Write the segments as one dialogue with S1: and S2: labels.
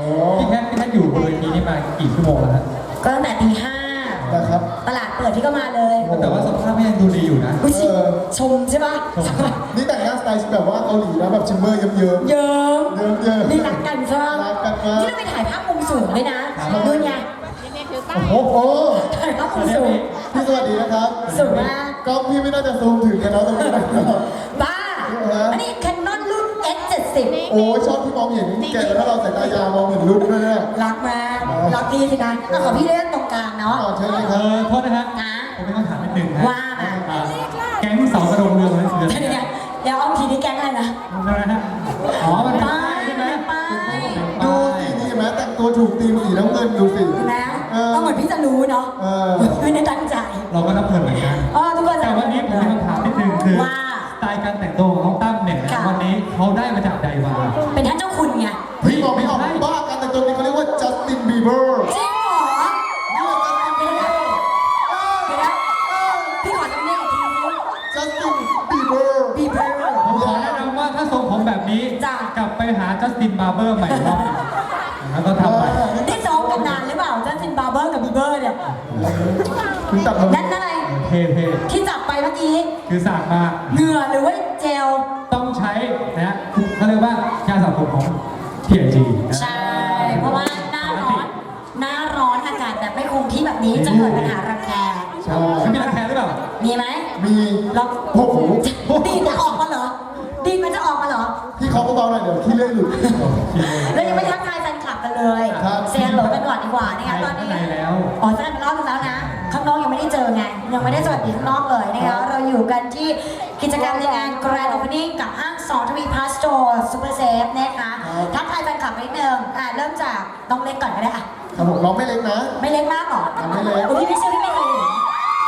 S1: พี่แพทย์อยู่บนเวทีนี้มากี่ชั่วโมงแล้วฮะ
S2: ก็ตั้งแต่ตี 5
S3: นะครับ
S2: ตลาดเปิดพี่ก็มาเลย
S1: แต่ว่าสภาพไม่ยังดูดีอยู่นะ
S2: อุ๊ยชมใช่ปะ
S3: นี่แต่งหน้าสไตล์แบบว่าเกาหลีนะแบบชิมเมอร์เยิ้ม
S2: เยิ้ม
S3: เยิ้ม
S2: นี่รักกันใช่ปะ
S3: รักกันมาก
S2: นี่เราไปถ่ายภาพมุมสูงด้วยนะดูไง
S3: โอ้โห
S2: ถ่ายภาพมุมสูง
S3: พี่สวัสดีนะครับ
S2: สูงมาก
S3: กล้องพี่ไม่น่าจะซูมถึงกันแล้วตรงนี้นะครับ
S2: บ้าอันนี้ Canon รุ่น X70
S3: โอ้ชอบที่มองเห็นแกแล้วถ้าเราใส่ตายาวมองเห็นรุ่นด้วยเนี่ย
S2: รักมากรักพี่สินะเอาขอพี่เล่นตรงกลางเนาะ
S3: ใช่ไหมครับ
S1: โทษนะฮะ
S2: นะ
S1: ผมมีคำถามนิดนึงนะ
S2: ว่ามา
S1: แก๊งเสากระโดงเรืองนั่นคือ
S2: เดี๋ยวเดี๋ยวเอาทีนี้แก๊งอะไรนะ
S1: อะไรนะอ๋อมันเป็น
S2: ป้า
S1: ป้าย
S2: ย
S1: ใช่ไหม
S2: ป้าย
S3: ดูสินี่เห็นไหมแต่งตัวถูกตีมสีน้ำเงินดูสิ
S2: เห็นไหมก็เหมือนพี่จะรู้เนาะไม่ได้ตั้งใจ
S1: เราก็รับเงินเหมือนกัน
S2: ทุกคน
S1: แต่วันนี้ผมมีคำถามนิดนึงคือ
S2: ว่า
S1: สไตล์การแต่งตัวของน้องตั้มเนี่ย
S2: ค่ะ
S1: วันนี้เขาได้มาจากใดมา
S2: เป็นท่านเจ้าคุณไง
S3: พี่บอกไม่ออกบ้ากันแต่งตัวนี้เขาเรียกว่าจัสตินบีเบอร์
S2: จริงเหรอ
S3: นี่แหละจัสตินบีเบอร์
S2: เดี๋ยวนะพี่ขอจำเนียกอีกทีนึง
S3: จัสตินบีเบอร์
S2: บีเบอร์
S1: ผมขอแนะนำว่าถ้าทรงผมแบบนี้
S2: จ้ะ
S1: กลับไปหาจัสตินบาร์เบอร์ใหม่รอบหนึ่งแล้วก็ทำไป
S2: นี่ซ้อมกันนานหรือเปล่าจัสตินบาร์เบอร์กับบีเบอร์เนี่ย
S3: คุณตัดผม
S2: นั่นอะไร
S1: เท่
S2: ที่จับไปเมื่อกี้
S1: ๆคือสากมา
S2: เหงื่อหรือว่าเจล
S1: ต้องใช้นะเขาเรียกว่าการสระผมของ P&G
S2: ใช่ เพราะว่าหน้าร้อนอากาศแบบไม่คงที่แบบนี้จะเกิดปัญหารังแค
S3: ใช่
S1: ไม่มีรังแคหรือเปล่า
S2: มีไหม
S3: มี
S2: เรา
S3: โอ้โห
S2: ดีดจะออกมาเหรอดีดมันจะออกมาเหรอ
S3: พี่เขาเบาๆหน่อยเดี๋ยวขี้เลื่อยหลุด
S2: เรายังไม่ทักทายแฟนคลับกันเลย
S3: ครับ
S2: เซียนโหลกันก่อนดีกว่านะคะตอนนี้
S1: ข้างในแล้ว
S2: อ๋อแฟนรอบนึงแล้วนะ ข้างนอกยังไม่ได้เจอไง ยังไม่ได้สวัสดีข้างนอกเลยนะคะเราอยู่กันที่กิจกรรมในงาน Grand Opening กับห้างสองทวีพาสโตร์ซูเปอร์เซฟนะคะทักทายแฟนคลับนิดนึงเริ่มจากน้องเล็กก่อนก็ได้อะ
S3: ครับผมน้องไม่เล็กนะ
S2: ไม่เล็กมากหรอ
S3: ไม่เล็ก
S2: โอ้พี่ไม่เชื่อพี่ไม่เคยเห็น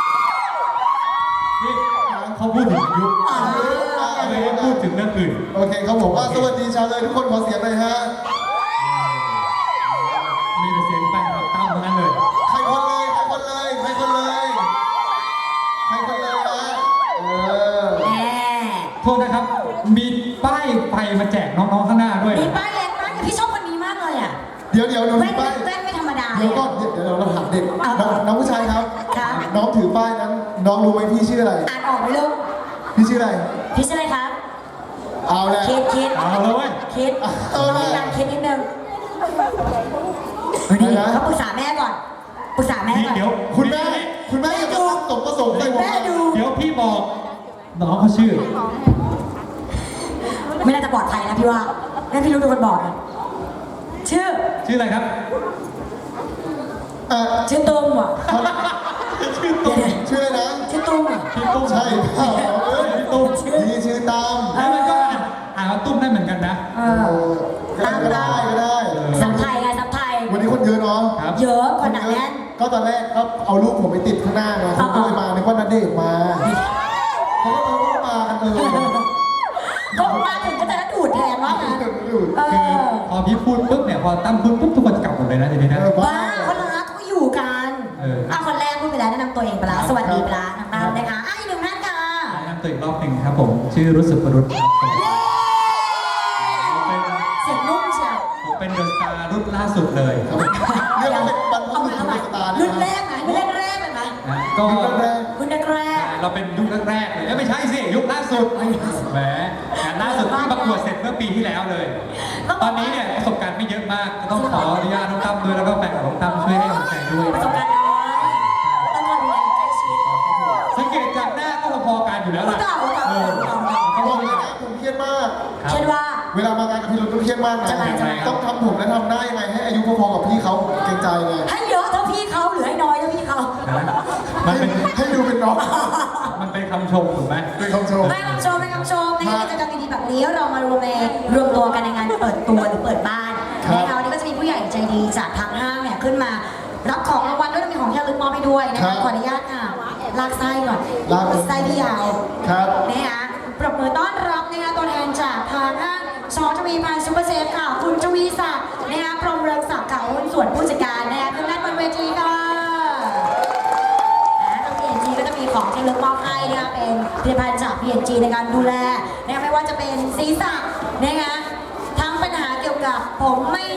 S1: นี่เขาพูดถึงยุค
S2: อ๋อ
S1: ไม่ได้พูดถึงเรื่องอื่น
S3: โอเคครับผมสวัสดีชาวเลยทุกคนขอเสียงหน่อยฮะ
S1: มีแต่เสียงแฟนคลับตั้มทั้งนั้นเลย
S3: ใครคนเลยใครคนเลยใครคนเลยใครคนเลยฮะ
S2: แหม
S1: โทษนะครับ มีป้ายไฟมาแจกน้องๆข้างหน้าด้วย
S2: มีป้ายเล็กมากพี่ชอบคนนี้มากเลยอ่ะ
S3: เดี๋ยวหนู
S2: แว่
S3: ถื
S2: น
S3: อป้าย
S2: แว่นไม่ธรรมดา
S3: เดี๋ยวก่อนเดี๋ยวเราถามเด็กน้องผู้ชายครับ
S2: ครับ
S3: น้องถือป้ายนั้น น้องรู้ไหมพี่ชื่ออะไร
S2: อ่านออกไหมลูก
S3: พี่ชื่ออะไร
S2: พี่ชื่ออะไรครับ
S3: เอาแหละ
S2: คิด
S1: เอาเลยเว้ย
S2: คิด
S3: เอาเลย
S2: ดังคิดนิดนึงนี่เขาปรึกษาแม่ก่อนปรึกษาแม่ก่อน
S1: เดี๋ยว
S3: คุณแม่อย่ามาตั้งสมประสงค์ใส่ผม
S2: แม่ดู
S1: เดี๋ยวพี่บอกน้องเขาชื่อ
S2: ไม่น่าจะปลอดภัยนะพี่ว่างั้นพี่รู้เป็นคนบอกนะชื่อ
S1: ชื่ออะไรครับ
S2: ชื่อตุ้มว่ะ
S1: ชื่อตุ้ม
S3: ชื่ออะไรนะ
S2: ชื่อตุ้มอ่ะ
S1: พี่ตุ้ม
S3: ใช่เปล่าเอ้ย
S1: พี่ตุ้ม
S3: นี่ชื่อตาม
S1: แล้วมันก็อ่านว่าตุ้มได้เหมือนกันนะ
S3: ก็ได้ก็ได้
S2: สับไทยไงสับไทย
S3: วันนี้คนเยอะเนาะ
S1: ครับ
S2: เยอะคนหนาแน่น
S3: ก็ตอนแรกก็เอารูปผมไปติดข้างหน้าไงเขาก็เลยมานึกว่าณเดชน์มาเขาก็มากัน
S2: ก็มาถึงก็จะนัดดูดแทนว่างั้นเอ
S1: คือ
S2: อ
S1: พอพี่พูดปุ๊บเนี่ยพอตั้มพูดปุ๊บทุกคนจะกลับหมดเลยนะทีนี้นะ
S2: บ้าคนรักเขาอยู่กัน คนแรกพูดไปแล้วแนะนำตัวเองไปแล้วสวัสดีไปแล้วน้องๆนะคะอีกหนึ่งท่านค่ะ
S1: แนะนำตัวอีกรอบหนึ่งครับผม ชื่อรุ่สุปรุษครับผม
S2: เสียงนุ่มเชียว
S1: ผมเป็นเดอะสตาร์รุ่นล่าสุดเลย
S3: เรียกว่าเป็นบรรพ
S2: เอา
S3: บุ
S2: ใหม่
S3: รุ
S2: เอาใหม่
S3: ษสตาร์
S2: รุ่นแรกไหมรุ่นแรกเลยไหม
S1: นะก็
S2: รุ่นแรก
S1: เราเป็นยุคแรกๆเลยไม่ใช่สิยุคล่าสุดแหมงานล่าสุดที่ประกวดเสร็จเมื่อปีที่แล้วเลย ตอนนี้เนี่ยประสบการณ์ไม่เยอะมากก็ต้องขออนุญาตน้องตั้มด้วยแล้วก็แฟนของน้องตั้มช่วยให้กำลังใจด้วย
S2: ประสบการณ์น้อยต้องดูแลใกล้ชิด
S1: สังเกตจากหน้าก็พอๆกันอยู่แล้วล่ะ
S2: เก่า
S3: เขาบอกเลยนะผมเครียดมาก
S2: เช่นว่า
S3: เวลามางานกับพี่รถก็เครียดมากนะ
S2: จะไง
S3: ต้องทำผมและทำหน้ายังไงให้อายุพอๆกับพี่เขาเกรงใจไง
S2: ให้เยอะเท่าพี่เขาหรือให้น้อยเท่าพี่เขา
S1: นะมันเป็น
S3: ให้ดูเป็นน้อง
S1: มันเป็นคำชมถูกไหม
S3: เป็นคำชม
S2: ไม่คำชมในกิจกรรมดีๆแบบนี้เรามารวมตัวกันในงานเปิดตัวหรือเปิดบ้านนะคะวันนี้ก็จะมีผู้ใหญ่ใจดีจากทางห้างเนี่ยขึ้นมารับของรางวัลด้วยมีของที่ระลึกมอบให้ด้วยนะคะขออนุญาตค่ะลากไส้ก่อนไส้พี่ยาว
S3: ครับ
S2: นะคะปรบมือต้อนรับนะคะตัวแทนจากทางห้างชอทวีพันธ์ซูเปอร์เซฟค่ะคุณทวีศักดิ์นะคะพรหมเรืองศักดิ์ค่ะหุ้นส่วนผู้จัดการนะคะขึ้นด้านบนเวทีค่ะทาง P&G ก็จะมีของที่ระลึกมอบให้นะคะเป็นผลิตภัณฑ์จาก P&G ในการดูแลนะคะไม่ว่าจะเป็นศีรษะนะคะทั้งปัญหาเกี่ยวกับผมไม่